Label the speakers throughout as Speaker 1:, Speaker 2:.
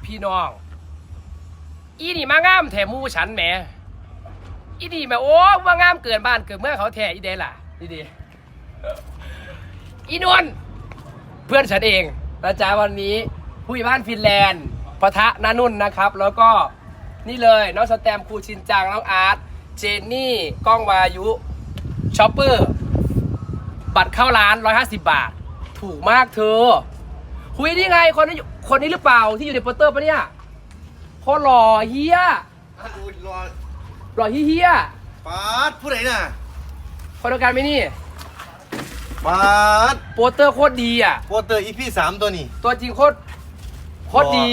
Speaker 1: พี่น้องอีนี่มางามแถมมูฉันแหมอีนี่แหมโอ้ว่างามเกินบ้านเกินเมื่อเขาแท้อีเดล่ะดีอีนวลเพื่อนฉันเองนะจ๊ะวันนี้ผู้ใหญ่บ้านฟินแลนด์ปะทะนานุ่นนะครับแล้วก็นี่เลยน้องสแตมครูชินจังน้องอาร์ตเจนนี่ก้องวายุช็อปเปอร์บัตรเข้าร้าน150 บาทถูกมากเธอคุยนี่ไงคนนี้หรือเปล่าที่อยู่ในโปสเตอร์ปะเนี่ยโคตรหล่อเฮียหล่อเฮีย
Speaker 2: ปาดผู้ใดน่ะ
Speaker 1: คนเดียวกันไหมนี่
Speaker 2: ปาด
Speaker 1: โปสเตอร์โคตรดีอ่ะ
Speaker 2: โปสเตอร์ EP 3ตัวนี้
Speaker 1: ตัวจริงโคตรดี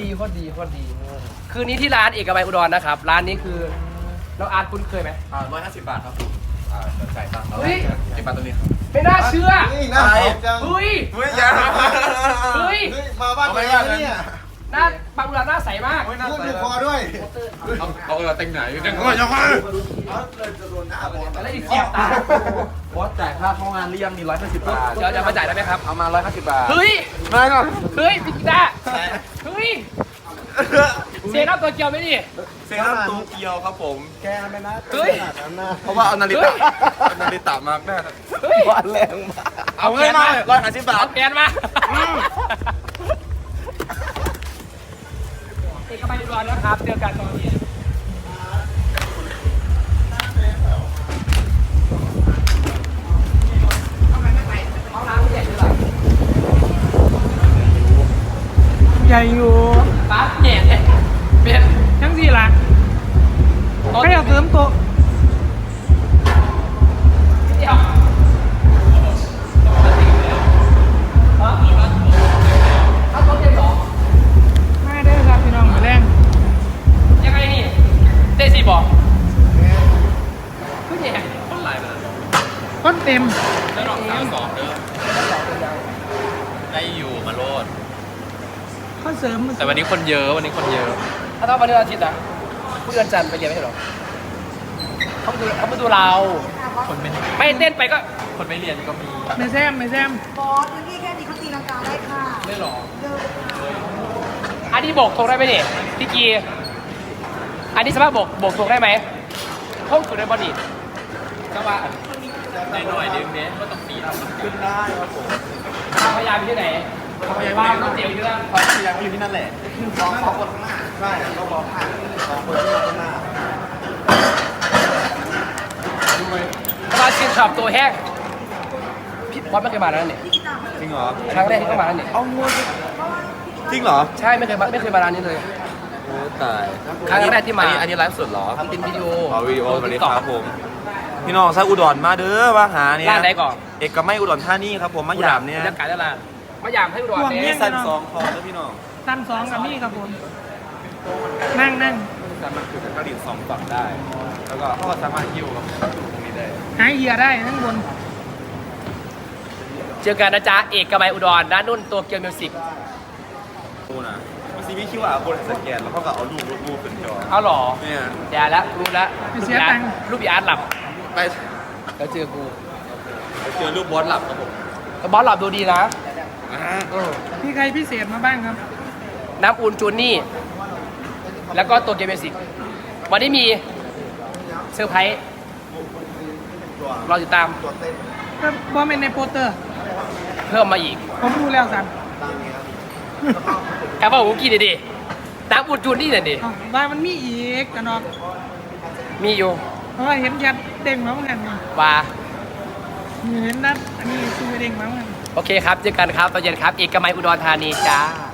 Speaker 1: คืนนี้ที่ร้านเอกมัยอุดรนะครับร้านนี้คือน้องอาร์ตคุ้นเคยไหม
Speaker 3: 150 บาทครับจ่ายตังค์
Speaker 1: เฮ้ย
Speaker 3: เก็บบัตรตัวนี้ครับ
Speaker 1: ไม่น่าเชื่อ
Speaker 2: นี่น่าสนจัง
Speaker 1: เฮ้ย
Speaker 3: เฮ้ยอย่า
Speaker 1: เฮ้ย
Speaker 2: เฮ้ยมาบ้านตัวเองเนี่ย
Speaker 1: หน้าบางอุดรหน้าใสมาก
Speaker 2: พูดดูคอด้วย
Speaker 3: เอาเต็งไหนเต็งก็ยังไง
Speaker 1: อะไรอีกเสียบตา
Speaker 3: บอสจ่ายค่าเข้างานหรือยังมี150 บาท
Speaker 1: เดี๋ยวจะมาจ่ายได้ไหมครับ
Speaker 3: เอามา150 บาท
Speaker 1: เฮ้ย
Speaker 3: มาก่อน
Speaker 1: เฮ้ยพี่กีตาร์เฮ้ยเสียน้ำตัวเกียวไหมนี่
Speaker 3: เซรั่มโตเกียวครับผม
Speaker 2: แกไม่น่า
Speaker 1: เฮ้ย
Speaker 3: เพราะว่าเอานาฬิตะนาฬิตะมากแน่
Speaker 1: เฮ้ย
Speaker 2: บ้านแรงมาก
Speaker 3: เอาเงินมา150 บาท
Speaker 1: เอาแกนมาเอกมัยอุดรนะครับเจอกันตอนนี้
Speaker 4: ใหญ่อยู่
Speaker 1: ปั๊บแหน่เลยเป็น
Speaker 4: ทั้งสี่ละไม่เอาเสริมโต๊ะ
Speaker 1: เดี๋ยวเอาตัวเต็มเหรอ
Speaker 4: ไม่ได้ครับพี่น้องมาแรง
Speaker 1: ยังไงนี่เต้สี่บอกผู้ใหญ่คนหลายมา
Speaker 4: ต้นเต็ม
Speaker 3: แล้วลอง32เด้อได้อยู่มาโลด
Speaker 4: ข้อเสริม
Speaker 3: แต่วันนี้คนเยอะ
Speaker 1: ถ้าต้องมาเดือนอาทิตย์นะผู้เดือนจันทร์ไปเรียนไม่ใช่หรอเขามาดูเรา
Speaker 3: คนไม่
Speaker 1: ไม่เต้นไปก็
Speaker 3: คนไม่เรียนก็มี
Speaker 4: ไม่แซม
Speaker 5: บอสพื้นที่แค่นี้เขาตีลังกาได้ค่ะ
Speaker 1: ไม่หรอ
Speaker 5: เดินค่ะ
Speaker 1: อันนี้โบกตรงได้ไหมเนี่ยพี่กีอันนี้สามารถโบกตรงได้ไหมห้องสุดในบอดี้ก็ว่า
Speaker 3: ได้หน่อยนึงเนี้ยก็ต้องปีน
Speaker 2: ขึ้นได้ครับผม
Speaker 1: ความพยายามอยู่ที่ไหนความพยายามต้องเจียวอยู่ที่นั่น
Speaker 2: ความพยายามอยู่ที่นั่นแหละสองคนข้างหน้าใช่ต้องบอกสองคนที่ข้างหน้า
Speaker 1: มาชิมช็อปตัวแห้งพี่บอสไม่เคยมาแล้วเนี่ย
Speaker 5: พี่กีตาร์ไม่เคย
Speaker 3: จริงเหรอ
Speaker 1: ครั้งแรกที่เข้ามาแล้วเนี่ย
Speaker 3: เอางูจริงเหรอ
Speaker 1: ใช่ไม่เคยมาร้านนี้เลย
Speaker 3: โอ้ตาย
Speaker 1: ครั้งแรกที่มา
Speaker 3: อันนี้ไลฟ์สดเหรอ
Speaker 1: ทำเป็นวิดีโอ
Speaker 3: วิดีโอสวัสดีครับผม พี่น้องซาอุดรมาเด้อมาหาเนี่ย
Speaker 1: ร้านไหนก่อน
Speaker 3: เอกมัยอุดรธานีครับผมมาหยามเนี่ย
Speaker 1: บรรยากาศตลาดมายามให้อุดร
Speaker 3: มี
Speaker 1: เนี่ย
Speaker 3: สันสองคอเด้อพี่น้อง
Speaker 4: ตันสองกับนี่ครับผมนั่ง
Speaker 3: แต่มันคือการดิน2 ฝั่งได้ แล้วก็เขาก็สามารถยิ้วกับตรงนี้ได้
Speaker 4: หายเหี้ยได้ทั้งบน
Speaker 1: เจอกันนะจ๊ะเอกมัยอุดรด้านนุ่นตัวเกียวมิวสิก
Speaker 3: ดูนะมันซีวีคิวอาร์โค้ดสแกนแล้วเขาก็เอารูปขึ้นจอ
Speaker 1: เอาหรอ
Speaker 3: เนี่ย
Speaker 1: เดี๋ยวแล้วรู้แล้ว
Speaker 4: เสียตังค์
Speaker 1: รูปอีอาร์ตหลับ
Speaker 3: ไป
Speaker 1: แล้วเจอกู
Speaker 3: เจอรูปบอสหลับครับผม
Speaker 1: บอสหลับดูดีนะ
Speaker 4: พี่ใครพิเศษมาบ้างครับ
Speaker 1: น้ำอุ่นจูนนี่ แล้วก็ตัวเกมเบสิกวันนี้มีเซอร์ไพรส์รอติดตาม
Speaker 4: ก็บอสเป็นในโปสเตอร์
Speaker 1: เพิ่มมาอีก
Speaker 4: ผมดูแล้วสัน
Speaker 1: แอบว่าผมกินดิน้ำอุ่นจูนนี่น่ะดิ
Speaker 4: อ้าวว่ามันมีอีกกันเนาะ
Speaker 1: มีอยู่
Speaker 4: เพราะว่าเห็นยัดเด้งมาเหมือนกันนี่
Speaker 1: ว่า
Speaker 4: เห็นนัดอันนี้คือเด้งมาเหมือนกัน
Speaker 1: โอเคครับเจอกันครับตอนเย็นครับเอกมัยอุดรธานีจ้า